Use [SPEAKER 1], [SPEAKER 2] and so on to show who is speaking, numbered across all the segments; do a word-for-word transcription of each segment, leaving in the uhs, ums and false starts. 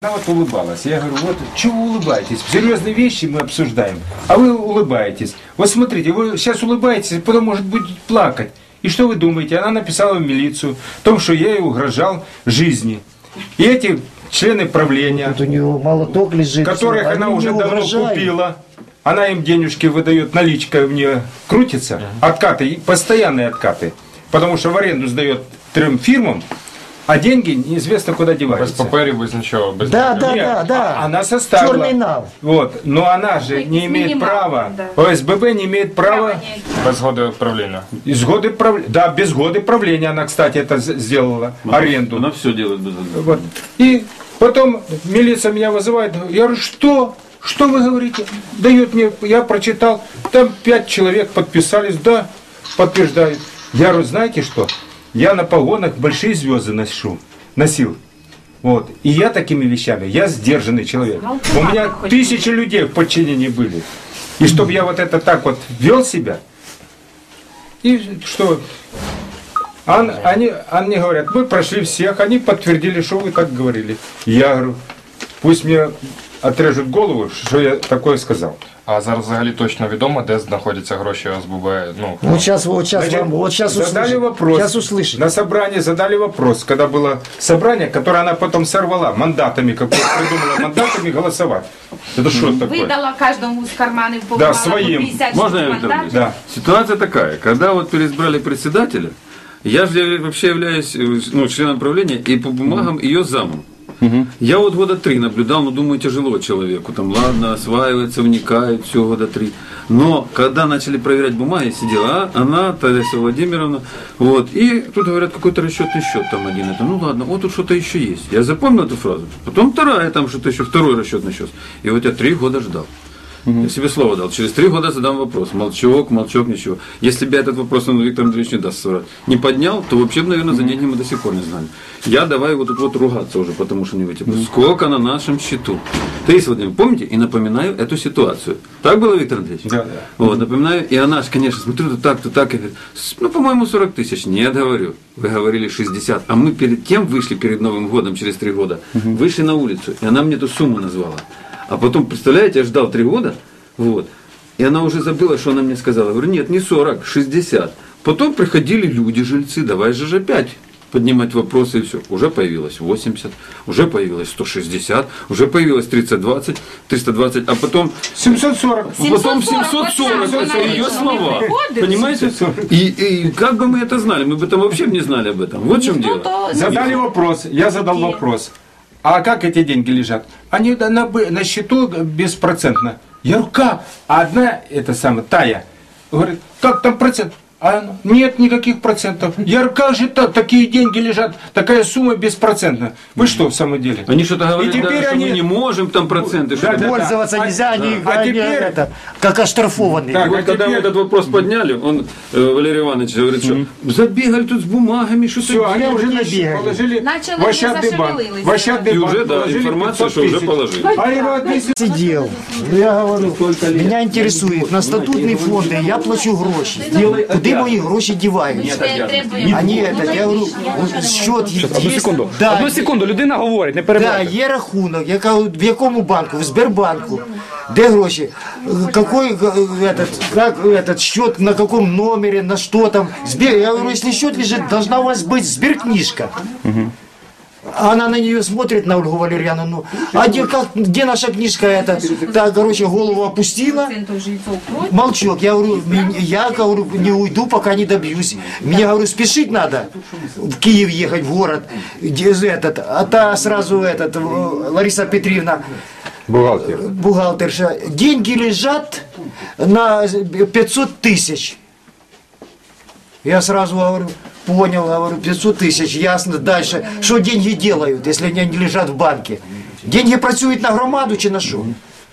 [SPEAKER 1] Она вот улыбалась. Я говорю, вот чего вы улыбаетесь? Серьезные вещи мы обсуждаем, а вы улыбаетесь. Вот смотрите, вы сейчас улыбаетесь, потом, может быть, плакать. И что вы думаете? Она написала в милицию о том, что я ей угрожал жизни. И эти члены правления,
[SPEAKER 2] вот у него молоток лежит,
[SPEAKER 1] которых она уже давно купила, она им денежки выдает, наличка мне крутится, откаты, постоянные откаты. Потому что в аренду сдает трем фирмам, а деньги неизвестно куда деваются.
[SPEAKER 3] Без паперов, без ничего. Без
[SPEAKER 2] да,
[SPEAKER 3] ничего.
[SPEAKER 2] да, да, да.
[SPEAKER 1] Она составила.
[SPEAKER 2] Черный нал.
[SPEAKER 1] Вот. Но она же не имеет права. Да. ОСББ не имеет права.
[SPEAKER 3] Без года правления.
[SPEAKER 1] Из года правления. Да, без года правления она, кстати, это сделала.
[SPEAKER 4] Она,
[SPEAKER 1] аренду.
[SPEAKER 4] Она все делает без года.
[SPEAKER 1] Вот. И потом милиция меня вызывает. Я говорю, что? Что вы говорите? Дает мне, я прочитал. Там пять человек подписались. Да, подтверждают. Я говорю, знаете что? Я на погонах большие звезды ношу, носил. Вот. И я такими вещами, я сдержанный человек. У меня тысячи людей в подчинении были. И чтобы я вот это так вот вел себя, и что? Он, они, они говорят, мы прошли всех, они подтвердили, что вы так говорили. Я говорю, пусть мне отрежут голову, що я такое сказав.
[SPEAKER 3] А зараз взагалі точно відомо, де знаходяться гроші ОСББ? Ну,
[SPEAKER 2] вот сейчас, вот сейчас,
[SPEAKER 1] Значит,
[SPEAKER 2] вам, вот сейчас
[SPEAKER 1] задали
[SPEAKER 2] услышим.
[SPEAKER 1] вопрос.
[SPEAKER 2] Сейчас услышим.
[SPEAKER 1] На собрании задали вопрос, когда было собрание, которое она потом сорвала мандатами, как придумала мандатами голосовать. Это что такое?
[SPEAKER 5] Выдала каждому из карманов по
[SPEAKER 1] Да, своим.
[SPEAKER 4] Можно я, Виктор Андреевич?
[SPEAKER 1] Да.
[SPEAKER 4] Ситуация такая, когда вот переизбрали председателя, я же вообще являюсь ну, членом правления и по бумагам ее замом. Угу. Я вот года три наблюдал, ну думаю, тяжело человеку, там ладно, осваивается, вникает, все года три. Но когда начали проверять бумаги, сидела она, Таисия Владимировна, вот, и тут говорят, какой-то расчетный счет там один, это, ну ладно, вот тут что-то еще есть. Я запомнил эту фразу, потом вторая, там что-то еще, второй расчетный счет. И вот я три года ждал. Угу. Я себе слово дал. Через три года задам вопрос. Молчок, молчок, ничего. Если бы я этот вопрос, он Виктор Андреевич не даст соврать, не поднял, то вообще, наверное, за деньги мы до сих пор не знали. Я давай вот тут вот ругаться уже, потому что не вытеплю. Угу. Сколько на нашем счету? Таисия Владимировна, помните? И напоминаю эту ситуацию. Так было, Виктор Андреевич?
[SPEAKER 1] Да, да.
[SPEAKER 4] Вот, напоминаю. И она же, конечно, смотрю, то так, то так. Я говорю, ну, по-моему, сорок тысяч. Нет, говорю. Вы говорили шестьдесят. А мы перед тем вышли, перед Новым годом, через три года, угу. вышли на улицу. И она мне эту сумму назвала. А потом, представляете, я ждал три года. Вот. И она уже забыла, что она мне сказала. Я говорю, нет, не сорок, шестьдесят. Потом приходили люди, жильцы, давай же опять поднимать вопросы и все. Уже появилось восемьдесят, уже появилось сто шестьдесят, уже появилось тридцать двадцать, триста двадцать, а потом
[SPEAKER 1] семьсот сорок.
[SPEAKER 4] Потом семьсот сорок, это ее слова. Понимаете? И, и как бы мы это знали? Мы бы там вообще не знали об этом. Вот в чем дело.
[SPEAKER 1] Задали вопрос, я задал вопрос. А как эти деньги лежат? Они на, на счету беспроцентно. Я говорю, как? А одна, это самая, Тая, говорит, как там процент? А нет никаких процентов. Я говорю, как же так, такие деньги лежат, такая сумма беспроцентная. Вы что, в самом деле?
[SPEAKER 4] Они что-то говорят,
[SPEAKER 1] теперь
[SPEAKER 4] даже,
[SPEAKER 1] они...
[SPEAKER 4] что мы не можем там проценты.
[SPEAKER 1] Да, да,
[SPEAKER 2] пользоваться
[SPEAKER 1] да.
[SPEAKER 2] нельзя, они,
[SPEAKER 1] а
[SPEAKER 2] они
[SPEAKER 1] теперь...
[SPEAKER 2] это, как оштрафованные.
[SPEAKER 4] Так, вот
[SPEAKER 1] а
[SPEAKER 4] когда
[SPEAKER 1] теперь...
[SPEAKER 4] мы этот вопрос подняли, он, э, Валерий Иванович, говорит, что mm-hmm. забегали тут с бумагами, что-то
[SPEAKER 1] все, они уже
[SPEAKER 2] набегали.
[SPEAKER 1] Положили
[SPEAKER 5] Начали
[SPEAKER 1] в Ощадный банк. В Ощадный
[SPEAKER 4] и
[SPEAKER 1] банк
[SPEAKER 4] уже, да, информация, что уже положили.
[SPEAKER 1] А его
[SPEAKER 2] Сидел. Я говорю, меня интересует, на статутные фонды я плачу гроши. Куди мої гроші діваються? А ні, так, я говорю, счет є.
[SPEAKER 6] Одну секунду,
[SPEAKER 2] да,
[SPEAKER 6] одну секунду, людина говорить, не
[SPEAKER 2] да,
[SPEAKER 6] перебувайте.
[SPEAKER 2] є рахунок, яка, в якому банку, в Сбербанку, де гроші, какой этот, как этот счет, на каком номере, на что там. Сбер, я говорю, если счет лежит, должна у вас быть сберкнижка. Угу. Она на нее смотрит, на Ольгу Валерьяновну, а где, как, где наша книжка эта? Так, короче, голову опустила, молчок. Я говорю, я говорю, не уйду, пока не добьюсь. Мне, говорю, спешить надо, в Киев ехать, в город. Этот, а та сразу, этот, Лариса Петровна,
[SPEAKER 1] бухгалтер.
[SPEAKER 2] бухгалтерша, деньги лежат на пятьсот тысяч. Я сразу говорю, понял, говорю, пятьсот тысяч, ясно, дальше. Что деньги делают, если они не лежат в банке? Деньги працюют на громаду, чи на что?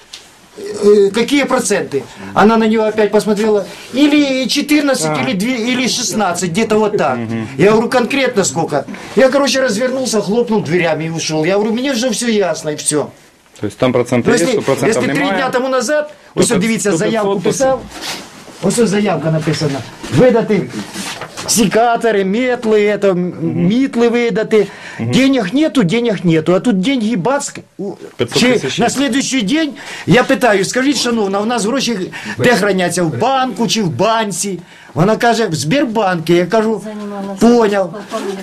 [SPEAKER 2] Какие проценты? Она на него опять посмотрела, или четырнадцать, а. или, два, или шестнадцать, где-то вот так. Я говорю, конкретно сколько? Я, короче, развернулся, хлопнул дверями и ушел. Я говорю, мне уже все ясно, и все.
[SPEAKER 6] То есть там проценты
[SPEAKER 2] Но
[SPEAKER 6] есть,
[SPEAKER 2] если,
[SPEAKER 6] что процентов
[SPEAKER 2] если три
[SPEAKER 6] немає.
[SPEAKER 2] дня тому назад, ось
[SPEAKER 6] то
[SPEAKER 2] дивіться,
[SPEAKER 6] то
[SPEAKER 2] заявку
[SPEAKER 6] п'ятсот,
[SPEAKER 2] писав, ось заявка написана, видати секаторы, метлы, это, м, митлы выдаты. Денег нету, денег нету. А тут деньги бац. у-
[SPEAKER 6] пятьсот
[SPEAKER 2] чи-
[SPEAKER 6] тисяч.
[SPEAKER 2] на следующий день я питаю, скажіть, шановна, у нас гроші де храняться? В банку чи в банці? Вона каже, в Сбербанке. Я кажу, поняв.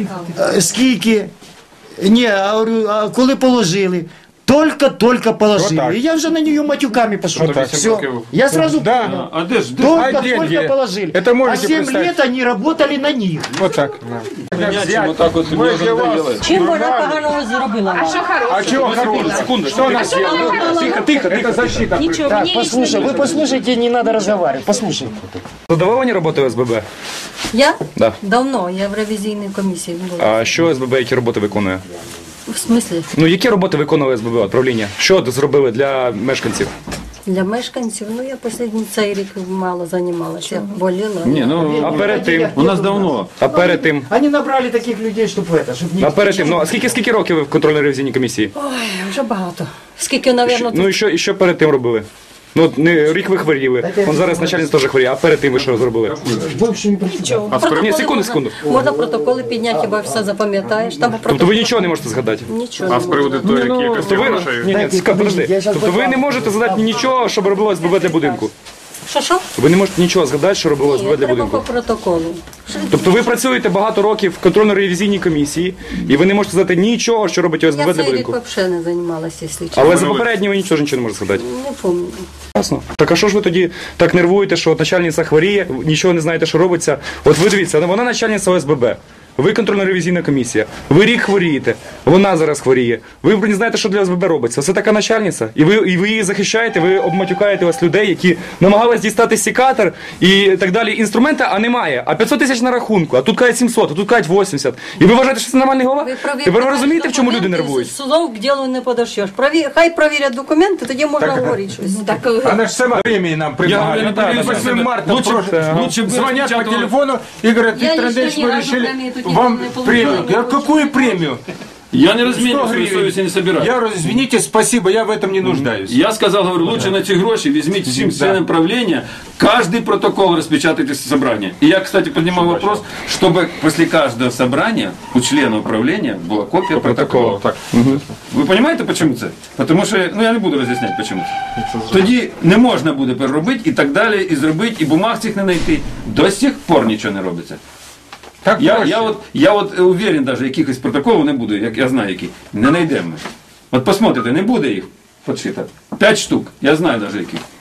[SPEAKER 2] Е, Скільки? Ні, а, говорю, а коли положили? Только-только положили.
[SPEAKER 1] Вот так.
[SPEAKER 2] И я уже на нее матюками пошел.
[SPEAKER 3] Вот так.
[SPEAKER 2] Все.
[SPEAKER 3] років.
[SPEAKER 2] Я сразу
[SPEAKER 1] Да.
[SPEAKER 2] понял.
[SPEAKER 4] А де ж? Де?
[SPEAKER 1] А
[SPEAKER 2] Только,
[SPEAKER 1] деньги?
[SPEAKER 2] только положили.
[SPEAKER 1] Это
[SPEAKER 2] а
[SPEAKER 1] можете
[SPEAKER 2] семь
[SPEAKER 1] представить?
[SPEAKER 2] лет они работали на них.
[SPEAKER 1] Вот так.
[SPEAKER 4] Понятие, вот так вот
[SPEAKER 1] Мы
[SPEAKER 4] мне
[SPEAKER 1] для вас-
[SPEAKER 4] надоело.
[SPEAKER 7] Чим вона поганого зробила?
[SPEAKER 5] А що
[SPEAKER 1] А
[SPEAKER 5] хороше?
[SPEAKER 1] чего хорошего?
[SPEAKER 6] секунду.
[SPEAKER 1] Что она сделала?
[SPEAKER 6] Тихо, тихо,
[SPEAKER 1] Это защита.
[SPEAKER 7] Нічого,
[SPEAKER 2] Так,
[SPEAKER 7] мені лично
[SPEAKER 2] послушай, вы послушайте, не надо разговаривать. Послушайте.
[SPEAKER 6] Задоволені роботою ОСББ?
[SPEAKER 7] Я?
[SPEAKER 6] Да.
[SPEAKER 7] Давно, я в ревізійній комісії була.
[SPEAKER 6] А що ОСББ, які роботи виконує?
[SPEAKER 7] В смислі?
[SPEAKER 6] Ну, які роботи виконує ОСББ, от, правління? Що зробили для мешканців?
[SPEAKER 7] Для мешканців, ну я останній цей рік мало займалася, боліла.
[SPEAKER 4] Не, ну,
[SPEAKER 6] А перед тим?
[SPEAKER 4] у нас давно.
[SPEAKER 6] А перед тим?
[SPEAKER 2] Они набрали таких людей, чтобы это, чтобы не...
[SPEAKER 6] А перед тим? Ну, а скільки, скільки років ви в контрольно-ревізійній комісії?
[SPEAKER 7] Ой, вже багато. Скільки, напевно,
[SPEAKER 6] Ну, і що, і що перед тим робили? Ну, от не, рік ви хворіли, он зараз начальник теж хворіє, а перед тим ви що зробили?
[SPEAKER 2] Больше не прочитал.
[SPEAKER 6] А в Ні, секунду,
[SPEAKER 7] можна,
[SPEAKER 6] секунду.
[SPEAKER 7] можна протоколи підняти, хіба все запам'ятаєш. Там
[SPEAKER 6] Тобто
[SPEAKER 7] протокол...
[SPEAKER 6] ви нічого не можете згадати?
[SPEAKER 7] Нічого.
[SPEAKER 3] А
[SPEAKER 7] не
[SPEAKER 3] з
[SPEAKER 7] можна.
[SPEAKER 3] приводу того, які
[SPEAKER 6] Тобто
[SPEAKER 3] якості
[SPEAKER 6] ви,
[SPEAKER 3] грошей?
[SPEAKER 6] ні, ні,
[SPEAKER 2] Дайте,
[SPEAKER 6] ска- подожди.
[SPEAKER 2] я щас
[SPEAKER 6] Тобто ви не можете згадати нічого, що робило ОСББ для будинку?
[SPEAKER 7] Що, що?
[SPEAKER 6] Ви не можете нічого згадати, що робило
[SPEAKER 7] Ні,
[SPEAKER 6] ОСББ для
[SPEAKER 7] треба по
[SPEAKER 6] будинку?
[SPEAKER 7] протоколу.
[SPEAKER 6] Тобто ви працюєте багато років в контрольно-ревізійній комісії, і ви не можете сказати нічого, що робить ОСББ
[SPEAKER 7] Я
[SPEAKER 6] для
[SPEAKER 7] цей рік
[SPEAKER 6] будинку?
[SPEAKER 7] взагалі не займалася, якщо чесно.
[SPEAKER 6] Але за попереднього нічого нічого не можете згадати.
[SPEAKER 7] Не пам'ятаю.
[SPEAKER 6] Ясно. Так а що ж ви тоді так нервуєте, що от начальниця хворіє, нічого не знаєте, що робиться? От ви дивіться, вона начальниця ОСББ. Ви контрольно-ревізійна комісія. Ви рік хворієте, вона зараз хворіє. Ви не знаєте, що для ОСББ робиться. Це така начальниця. І ви, і ви її захищаєте, ви обматюкаєте ось людей, які намагались дістати секатор і так далі. Інструмента, а немає. А п'ятсот тисяч на рахунку, а тут кажуть сімсот, а тут кажуть вісімдесят. І ви вважаєте, що це нормальний голова?
[SPEAKER 7] Ви провірте,
[SPEAKER 6] Тепер ви розумієте, в чому люди
[SPEAKER 7] документи,
[SPEAKER 6] нервують?
[SPEAKER 7] з Судом к ділу не подошьєш. Прові... Хай провірять документи, тоді можна говорити щось.
[SPEAKER 5] Так,
[SPEAKER 1] Она же сама времени нам предлагала.
[SPEAKER 4] говорю, да, да, да.
[SPEAKER 1] восьмого марта
[SPEAKER 4] Лучше-
[SPEAKER 1] прошлого.
[SPEAKER 4] лучше бы
[SPEAKER 1] Звонят по
[SPEAKER 4] распечатывали.
[SPEAKER 1] телефону и говорят,
[SPEAKER 7] Я
[SPEAKER 1] Виктор
[SPEAKER 7] еще
[SPEAKER 1] Андреевич,
[SPEAKER 7] ни
[SPEAKER 1] мы
[SPEAKER 7] разу
[SPEAKER 1] решили
[SPEAKER 7] премию тут не-
[SPEAKER 1] вам
[SPEAKER 7] не получала,
[SPEAKER 1] премию.
[SPEAKER 7] не
[SPEAKER 1] Я говорю,
[SPEAKER 7] получала.
[SPEAKER 1] какую премию?
[SPEAKER 4] Я не
[SPEAKER 1] сто
[SPEAKER 4] разменю свою
[SPEAKER 1] гривен.
[SPEAKER 4] совесть и не собираю.
[SPEAKER 1] Я говорю, извините, спасибо, я в этом не нуждаюсь.
[SPEAKER 4] Я сказал, говорю, лучше на эти гроши возьмите всем членам правления, каждый протокол распечатайте с собрания. И я, кстати, поднимал вопрос, чтобы после каждого собрания у члена управления была копия протокола.
[SPEAKER 3] Так.
[SPEAKER 4] Ви розумієте, чому це? Тому що, ну я не буду роз'ясняти, чому це. Тоді не можна буде переробити і так далі, і зробити, і бумаг цих не знайти. До сих пор нічого не робиться.
[SPEAKER 1] Так
[SPEAKER 4] Я,
[SPEAKER 1] проще.
[SPEAKER 4] я, от, я от уверен, навіть якихось протоколів не буде, як я знаю які. Не знайдемо. От посмотрите, не буде їх підшито. П'ять штук, я знаю навіть яких.